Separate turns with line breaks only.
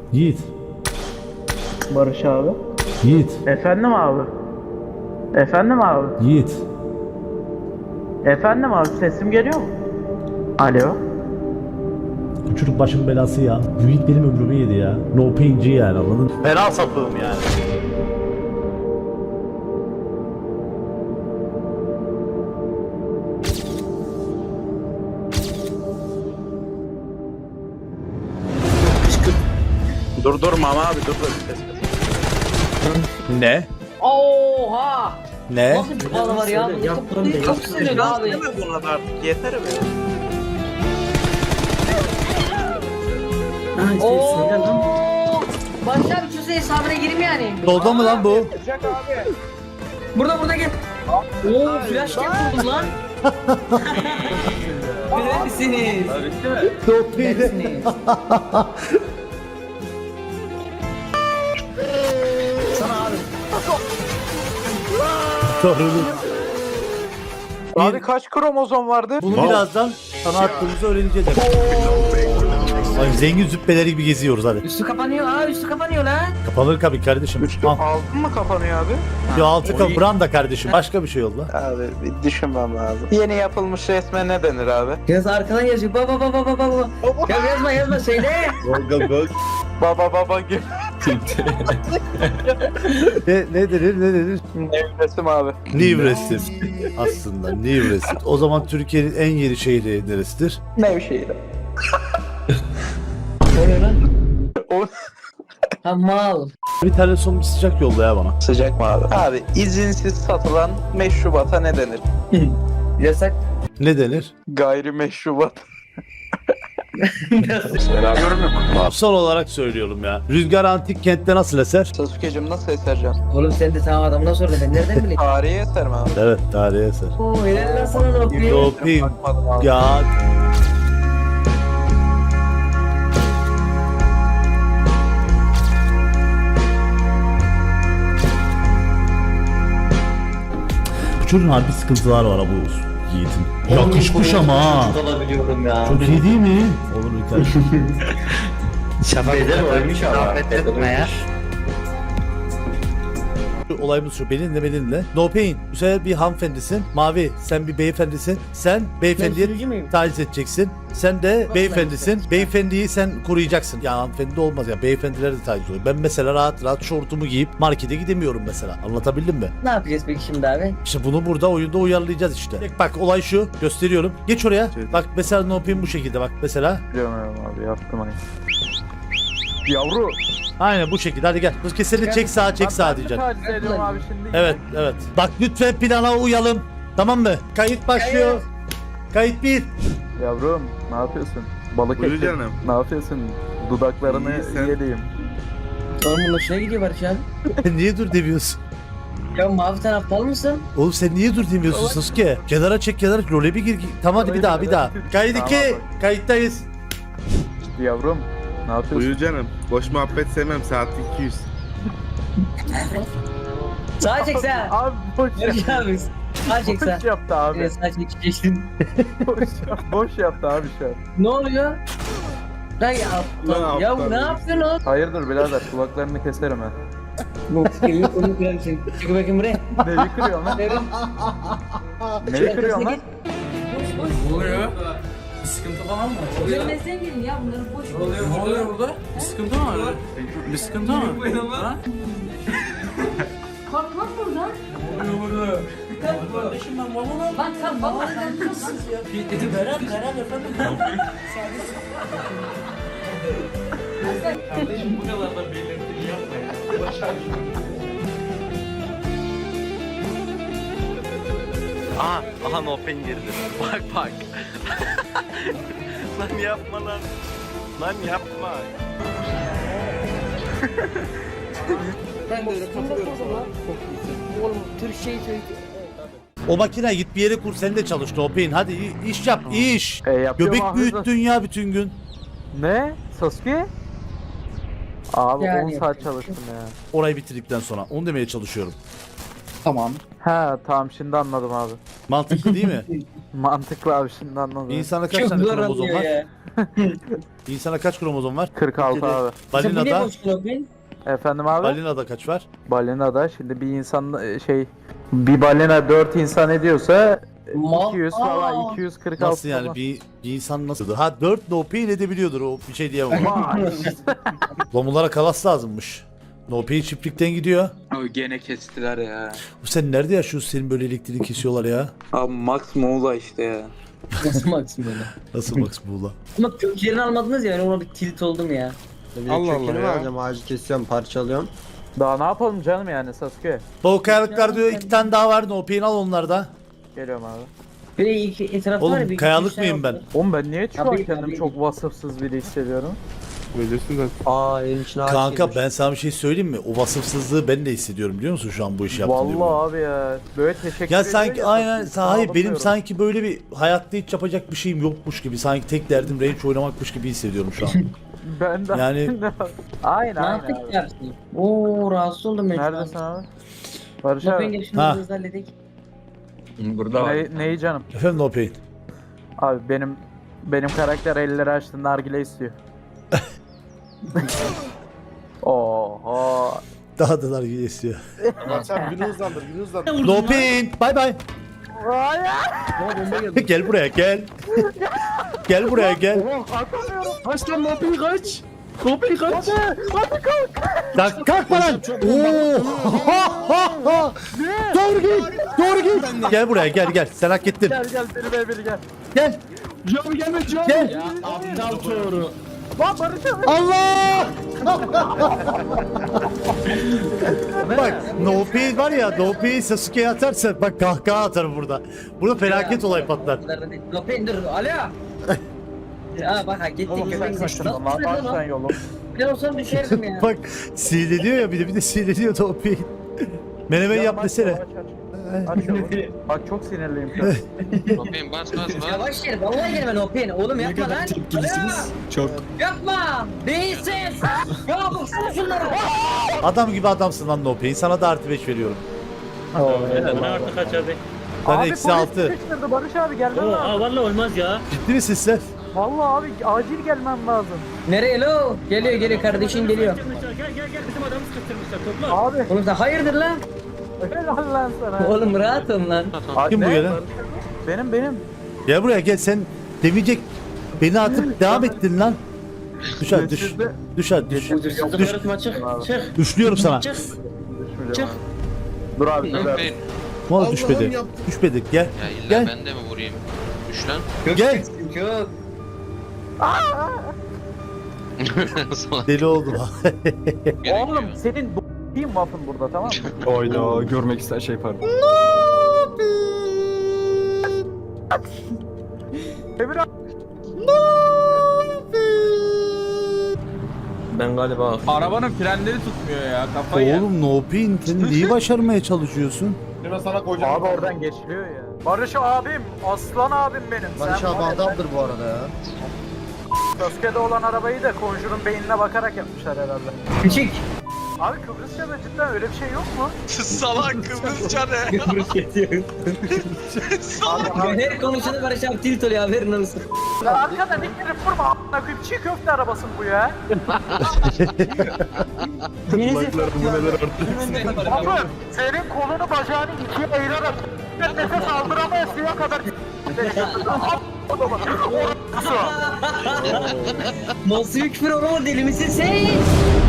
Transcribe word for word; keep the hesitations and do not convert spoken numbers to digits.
Yiğit.
Barış abi.
Yiğit.
Efendim abi. Efendim abi.
Yiğit.
Efendim abi, sesim geliyor mu? Alo.
Bu çocuk başın belası ya. Bu Yiğit benim ömrümü yedi ya. No pain'ci yani, anladın mı? Fena sapığım yani.
Dur dur Mama abi dur dur.
Ne?
Oha!
Ne?
Nasıl bir bana var ya? Bu
Yaptım
çok,
de,
çok
yaptım
sinirli
de.
abi.
Deme buna da artık yeter be.
Ha işte söyle lan.
Oo! Barış abi çöze hesabına girim yani.
Doldu mu lan bu?
Burada burada gel. Oo flash cap buldum lan. Neredesiniz?
No pain.
Neredesiniz? Sana abi.
Doğru.
Abi kaç kromozom vardı?
Bunu birazdan sana attığımızı öğreneceğiz. Ay, zengin züppeleri gibi geziyoruz hadi.
Üstü kapanıyor. Aa üstü kapanıyor lan.
Kapanır tabii kardeşim. Al.
Altın mı kapanıyor abi?
Şu altı kapı branda kardeşim. Başka bir şey oldu.
Abi bir düşünmem lazım. Yeni yapılmış resme ne denir abi?
Yaz arkadan yazıyor. Baba baba baba baba. Ya yazma yazma söyle.
Baba baba gibi.
Ne, ne denir ne denir?
Resim abi.
New resim. Aslında New resim. O zaman Türkiye'nin en yeni şehri neresidir?
Nevşehir.
O ne lan?
O
Ha mal.
Bir tane son bir sıcak yolla ya bana.
sıcak mı abi? Abi izinsiz satılan meşrubata ne denir?
Yasak.
Ne denir?
Gayrimeşrubat.
Son olarak söylüyorum ya. Rüzgar Antik Kent'te nasıl eser?
Sasuke'cim nasıl esercan?
Oğlum sen de tamam adamına sordun ben nereden bileyim?
Tarihi eser mi abi?
Evet, tarihi eser.
Oo helal lan sana da okuyayım.
Doping.
Bakmadım abi.
Ya. Bu çocuğun harbi sıkıntılar var ha bu Yiğit'in. Yakışmış ama ha.
Çocuk olabiliyorum ya.
Çok iyi değil mi? Olur bir tane.
Şafak eder oymuş ama. Etme ya.
Olayımız şu, benimle benimle. No pain. Bu sefer bir hanımefendisin. Mavi, sen bir beyefendisin. Sen beyefendiye
sürücü müyüm?
taciz edeceksin. Sen de beyefendisin. Beyefendiyi sen koruyacaksın. Ya hanımefendi de olmaz ya. Beyefendiler de taciz oluyor. Ben mesela rahat rahat şortumu giyip markete gidemiyorum mesela. Anlatabildim mi?
Ne yapacağız peki şimdi abi?
İşte bunu burada oyunda uyarlayacağız işte. Bak olay şu. Gösteriyorum. Geç oraya. Bak mesela no pain bu şekilde bak mesela.
Biliyorum abi, yaptım aynı. Yavru.
Aynen bu şekilde. Hadi gel. Bu kesinlikle çek sağa çek sağa diyeceksin.
Taciz ediyorum abi şimdi.
Evet, evet. Bak lütfen plana uyalım. Tamam mı? Kayıt başlıyor. Kayıt bir.
Yavrum ne yapıyorsun? Balık
Buyur
ettim.
canım.
Ne yapıyorsun? Dudaklarını
İyi, sen-
yediğim.
Oğlum bunun hoşuna gidiyor Barış abi.
Niye dur demiyorsun?
Ya mavi sen aptal mısın?
Oğlum sen niye dur demiyorsun Sasuke? Kenara çek kenara. Role bir gir. Tamam hadi bir daha bir daha. Kayıt iki.
Tamam,
Kayıttayız.
Yavrum ne yapıyorsun?
Buyur canım. Boş muhabbet sevmem. Saat iki yüz.
Sağa çek sağa.
Abi boş
Barış abi. Sağa çek sağa.
Boş yaptı abi.
Evet sağa çekeceksin.
boş, yap- boş yaptı abi şu an.
Ne oluyor? Lan ya aptal.
Lan
Ya
aptal.
ne yapıyorsun oğlum?
Hayırdır birader, kulaklarını keserim ha.
Bu evi onu kırarım. Çık bakayım buraya.
Neyi kırıyorsun lan?
Evet.
Neyi kırıyorsun lan?
Ne oluyor? Bir sıkıntı falan mı?
Görmezden gelin ya bunları boş
Ne oluyor, ne oluyor burada? Bir sıkıntı mı var? Bir sıkıntı mı? Ha?
Kalkmak buradan.
Ne oluyor burada? Kardeşim ben babamım.
Bak sen babandan nasıl ya?
Dedi Berat, Berat efendim. Kardeşim bu kadar da belirtili yapma ya. Başardım.
Aha, aha no pain girdi. Bak bak. Lan yapma lan. Lan yapma.
Ben de öyle katılıyorum sana. Oğlum Türkçeyi söyle.
O makine git bir yere kur sen de çalış Topin. Hadi i- iş yap iş.
E, yapıyorum
Göbek
abi.
büyüttün ya bütün gün.
Ne? Sasuke? Abi
Yani
on saat
yapacak
çalıştım ya.
Orayı bitirdikten sonra onu demeye çalışıyorum.
Tamam.
Ha tamam şimdi anladım abi.
Mantıklı değil mi?
Mantıklı abi şimdi anladım.
Bir insana kaç
Çok
tane
zor
kromozom
anlıyor
var?
ya.
Bir insana kaç kromozom var?
kırk altı abi.
Sen bir ne
Balinada,
konuşuyorsun?
Efendim abi?
balinada kaç var?
Balinada şimdi bir insan e, şey bir balina dört insan ediyorsa
Ma-
iki yüz falan iki yüz kırk altı
Nasıl yani bir, bir insan nasıl? Ha dört no pain edebiliyordur o bir şey diyemem. Lomulara kalas lazımmış. No pain çiftlikten gidiyor.
Abi gene kestiler ya.
Bu sen nerede yaşıyorsun senin böyle elektriğini kesiyorlar ya?
Abi Max Muğla işte ya.
Nasıl maksimum öyle?
Nasıl Max Buğla?
Ama köklerini almadınız ya, ben ona bir tilt oldum ya.
Allah Allah ya.
alacağım, ağacı kesiyorum, parçalıyorum.
Daha ne yapalım canım yani Sasuke?
Doğu kayalıklar diyor iki tane daha var no pain al onlarda.
Geliyorum abi.
Bir de iki etrafta var ya,
Oğlum
bir
kayalık
iki tane
mıyım ben?
var.
Oğlum ben niye şu an
Abi,
kendimi
abi.
çok vasıfsız biri hissediyorum?
Öylesin zaten.
Aa evin içine ağaç
Kanka
girmiş.
ben sana bir şey söyleyeyim mi? O vasıfsızlığı ben de hissediyorum biliyor musun şu an bu işi yaptığım diye.
Vallahi abi ya. Böyle teşekkür
Ya
ediyor
sanki
ya,
aynen
sana
hayır benim
bakıyorum.
sanki böyle bir hayatta hiç yapacak bir şeyim yokmuş gibi sanki tek derdim range oynamakmış gibi hissediyorum şu an.
Ben de
Yani-
Ne
aynen aynen
yaptık
abi.
ya? Oo, rahatsız oldum ben şu an.
Neredesin abi? Barış
Bakın
abi.
gel şunu
Ha.
hızlı halledik.
Burada var.
Ne, neyi canım?
Efendim no pain.
Abi benim benim karakter elleri açtı nargile istiyor. Oho.
Daha da dar istiyor.
Sen günü hızlandır, günü hızlandır.
No pain. Bye bye.
Ama bomba geldi.
Gel buraya gel. Gel buraya gel.
Kaç lan Nopi kaç. Nopi kaç.
Kalk kalkma lan. Oo. Doğru git. Doğru git. Gel buraya gel gel. Sen hak ettin.
Gel gel beni be beni gel.
Gel.
Can gelme can.
Gel.
Aptal çoğuru.
Lan Barış abi.
Allah! Bak no pain var ya no pain Sasuke'ye atarsa bak kahkaha atarım burada. Burada felaket olay patlar.
Lopin dur, alo. Ya bak ha gitti
Oğlum sen
köpek
kaçırdın
sesi.
lan aç sen yolu.
Ben olsam düşerdim ya.
Bak sinirleniyor ya bir de bir de sinirleniyor no pain. Menemen yap desene.
Aç, aç. Aç yolu. Bak çok sinirliyim şu an.
Lopin bas bas bas.
Yavaş gel, vallahi gelme Lopin. Oğlum yapma lan. Alo.
Çok.
Yapma. Değilsiz. Ya baksana şunlara.
Adam gibi adamsın lan no pain. Sana da artı beş veriyorum.
Bu ne artık kaç abi?
Ben
Abi
eksi
polis
altı.
sıkıştırdı Barış abi gelmen
Oo,
lazım.
aa, vallahi olmaz ya.
Ciddi misin sen?
Vallahi abi acil gelmem lazım.
Nereye lo? Geliyor geliyor kardeşin geliyor.
Gel gel gel bizim adamı sıkıştırmışlar topla.
Abi
Oğlum sen hayırdır lan?
helal lan sana.
Oğlum rahat ol lan.
Kim bu
Ne?
gelen?
Benim benim.
Gel buraya gel sen demeyecek beni atıp devam ettin lan. Düş hadi düş. Düş hadi düş.
Huzursuzluk
Düş.
yaratma, çık. Çık.
Düşlüyorum sana.
Çık.
Düşmeyeceğim
Çık.
abi. Dur abi dur abi.
Lopin.
Ne oldu düşmedi? Düşmedi gel.
Ya illa
Gel.
ben de mi vurayım? Düş lan.
Gel.
Çok.
Sonra
Deli oldum.
gerekiyor.
Oğlum senin b*****in waffın burada tamam mı?
Oyna görmek ister şey pardon.
Emir abi.
Ben galiba
Arabanın frenleri tutmuyor ya. Kafayı yer.
Oğlum no pain sen neyi başarmaya çalışıyorsun?
Ben sana koyacağım.
Abi oradan geçiliyor ya. Barış abim, aslan abim benim.
Barış
Sen
abi
var ya,
adamdır bu arada ya.
Sasuke'de olan arabayı da Conjure'un beynine bakarak yapmışlar herhalde.
Küçük.
Abi Kıbrısça'da cidden öyle bir şey yok mu?
Salak Kıbrısça ne?
Kıbrıs yetiyor. Her konuşanı Barış abi tilt oluyor, haberin olsun.
Ya arkadan ittirip vurma a**ına koyayım çiğ köfte arabası bu ya. Abi senin kolunu bacağını ikiye ayırarak ben nefes aldıramayasıya kadar
Nasıl bir küfür oğlum, deli misin sen?